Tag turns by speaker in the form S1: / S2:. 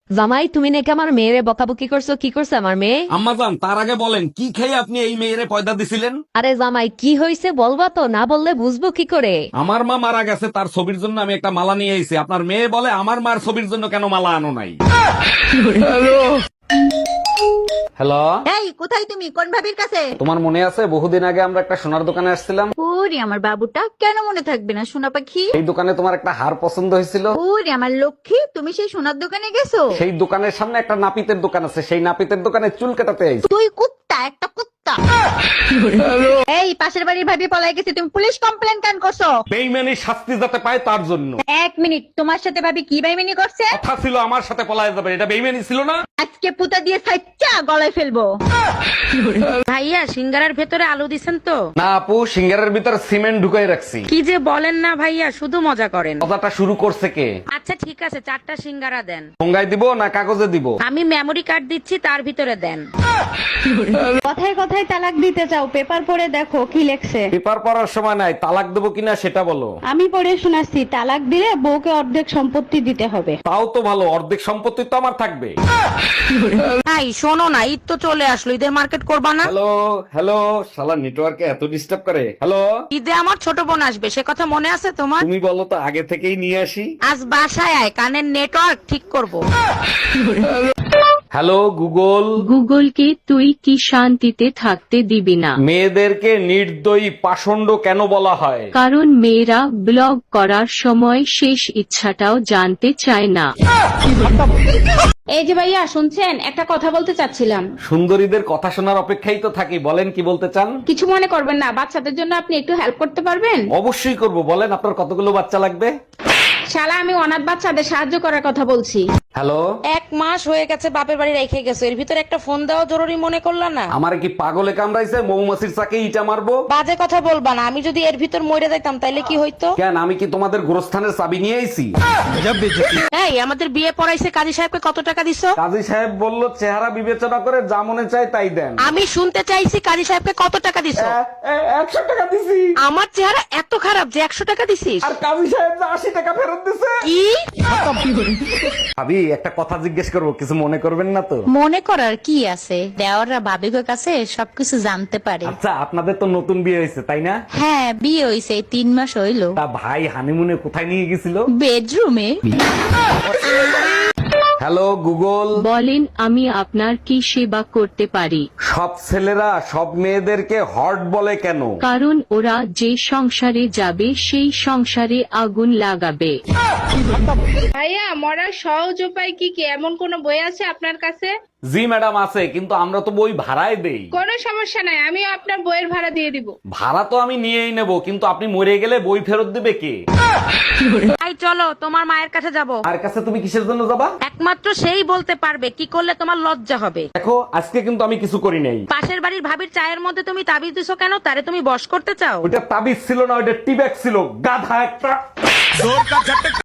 S1: জামাই, তুমি নাকি আমার মেয়েরে বকাবকি করছো? কি করছে আমার মেয়ে?
S2: আম্মাজান, তার আগে বলেন কি খেয়ে আপনি এই মেয়েরে পয়দা দিছিলেন?
S1: আরে জামাই, কি হয়েছে বলবা তো, না বললে বুঝবো কি করে?
S2: আমার মা মারা গেছে, তার ছবির জন্য আমি একটা মালা নিয়ে এসেছি। আপনার মেয়ে বলে আমার মার ছবির জন্য কেন মালা আনো নাই? হ্যালো,
S3: এই কোথায় তুমি? কোন ভাবির কাছে?
S2: তোমার মনে আছে বহুদিন আগে আমরা একটা সোনার দোকানে আসছিলাম?
S3: ওরে আমার বাবুটা, কেন মনে থাকবে না সোনা পাখি?
S2: এই দোকানে তোমার একটা হার পছন্দ হয়েছিল।
S3: ওরে আমার লক্ষ্মী, তুমি সেই সোনার দোকানে গেছো?
S2: সেই দোকানের সামনে একটা নাপিতের দোকান আছে, সেই নাপিতের দোকানে চুল কাটাতে আইছি।
S3: তুই কুত্তা, একটা কুত্তা। এই পাশের বাড়ির ভাবি পলাই গেছে, তুমি পুলিশ কমপ্লেন কেন করছো?
S2: বেইমানি শাস্তি যাতে পায় তার জন্য।
S3: এক মিনিট, তোমার সাথে ভাবি কি বেইমানি করছে?
S2: কথা ছিল আমার সাথে পলায় যাবে, এটা বেইমানি ছিল না?
S3: আজকে পুতা দিয়ে সাইচ্চা গলায় ফেলবো।
S4: ভাইয়া সিঙ্গারার ভেতরে আলু দিছেন তো?
S2: না আপু, সিঙ্গারের ভিতর সিমেন্ট ঢুকাই রাখছি।
S4: কি যে বলেন না ভাইয়া, শুধু মজা করেন।
S2: কথাটা শুরু করছে কে?
S4: আচ্ছা ঠিক আছে, 4টা সিঙ্গারা দেন।
S2: ঠোঙ্গায় দিব না কাগজে দিব?
S4: আমি মেমরি কার্ড দিচ্ছি, তার ভিতরে দেন।
S5: কথায় কথায় তালাক দিতে চাও, পেপার পড়ে দেখো কি লেখছে।
S2: পেপার পড়ার সময় নাই, তালাক দেবো কিনা সেটা বলো।
S5: আমি পড়ে শোনাচ্ছি, তালাক দিলে বউকে অর্ধেক সম্পত্তি দিতে হবে।
S2: তাও তো ভালো, অর্ধেক সম্পত্তি তো আমার থাকবে।
S4: ভাই শোনো না, ঈদ তো চলে আসলো, ঈদের মার্কেট করবা না?
S2: হ্যালো হ্যালো, শালা নেটওয়ার্কে এত ডিস্টার্ব করে। হ্যালো,
S4: ঈদে আমার ছোট বোন আসবে, সে কথা মনে আছে তোমার?
S2: তুমি বলো তো আগে থেকেই নিয়ে আসি।
S4: আজ বাসায় আয়, কানের নেটওয়ার্ক ঠিক করব।
S2: হ্যালো গুগল,
S6: গুগলকে তুই কি শান্তিতে থাকতে দিবি না?
S2: মেয়েদেরকে নির্দয়ী পাষণ্ড কেন বলা হয়?
S6: কারণ মেয়েরা ব্লগ করার সময় শেষ ইচ্ছাটাও জানতে চায় না।
S7: এই যে ভাইয়া শুনছেন, একটা কথা বলতে চাচ্ছিলাম।
S2: সুন্দরীদের কথা শোনার অপেক্ষাই তো থাকি, বলেন কি বলতে চান?
S7: কিছু মনে করবেন না, বাচ্চাদের জন্য আপনি একটু হেল্প করতে পারবেন?
S2: অবশ্যই করব, বলেন আপনার কতগুলো বাচ্চা লাগবে?
S7: শালা, আমি অনাথ বাচ্চাদের সাহায্য করার কথা বলছি।
S2: হ্যালো,
S4: 1 মাস হয়ে গেছে বাপের বাড়ি রেখে গেছো, এর ভিতরে একটা ফোন দেওয়া জরুরি মনে করলা না?
S2: আমার কি পাগলে কামড়াইছে? মৌমাছির চাকে ইটা মারবো?
S4: বাজে কথা বলবা না, আমি যদি এর ভিতর মরে যাইতাম তাইলে কি হইতো?
S2: কেন, আমি কি তোমাদের গোরস্থানের চাবি নিয়ে আইছি?
S4: এই আমাদের বিয়ে পড়াইছে, কাজী সাহেবকে কত টাকা দিছো?
S2: কাজী সাহেব বলল চেহারা বিবেচনা করে যা মনে চায় তাই দেন।
S4: আমি শুনতে চাইছি কাজী সাহেবকে কত টাকা দিছো?
S2: 100 টাকা দিছি।
S4: আমার চেহারা এত খারাপ যে 100 টাকা দিছিস?
S2: আর কাজী সাহেব যে 80 টাকা ফেরত দিছে।
S4: কি?
S2: ভাবি একটা কথা জিজ্ঞেস করবো, কিছু মনে করবেন না তো?
S3: মনে করার কি আছে, দেওয়াররা ভাবিকের কাছে সবকিছু জানতে পারে।
S2: আচ্ছা, আপনাদের তো নতুন বিয়ে হয়েছে তাই না?
S3: হ্যাঁ, বিয়ে হইছে 3 মাস হইলো।
S2: তা ভাই হানিমুনে কোথায় নিয়ে গেছিল?
S3: বেডরুমে।
S2: হ্যালো গুগল,
S6: বলেন আমি আপনার কি সেবা করতে পারি?
S2: সব ছেলেরা সব মেয়েদেরকে হট বলে কেন?
S6: কারণ ওরা যে সংসারে যাবে সেই সংসারে আগুন লাগাবে।
S7: ভাইয়া, মরার সহজ উপায় কি কি, এমন কোন বই আছে আপনার কাছে?
S2: জি ম্যাডাম আছে, কিন্তু আমরা তো বই ভাড়ায় দেই।
S7: কোনো সমস্যা নাই, আমিও আপনার বইয়ের ভাড়া দিয়ে দিব।
S2: ভাড়া তো আমি নিয়েই নেব, কিন্তু আপনি মরে গেলে বই ফেরত দিবে কে?
S4: তাই চলো তোমার মায়ের কাছে যাব।
S2: আর কাছে তুমি কিসের জন্য যাবা?
S4: একমাত্র সেই বলতে পারবে কি করলে তোমার লজ্জা হবে।
S2: দেখো, আজকে কিন্তু আমি কিছু করি নাই।
S4: পাশের বাড়ির ভাবির চায়ের মধ্যে তুমি তাবিজ দিছো কেন? তারে তুমি বশ করতে চাও?
S2: ওইটা তাবিজ ছিল না, ওইটা টিব্যাগ ছিল, গাধা একটা।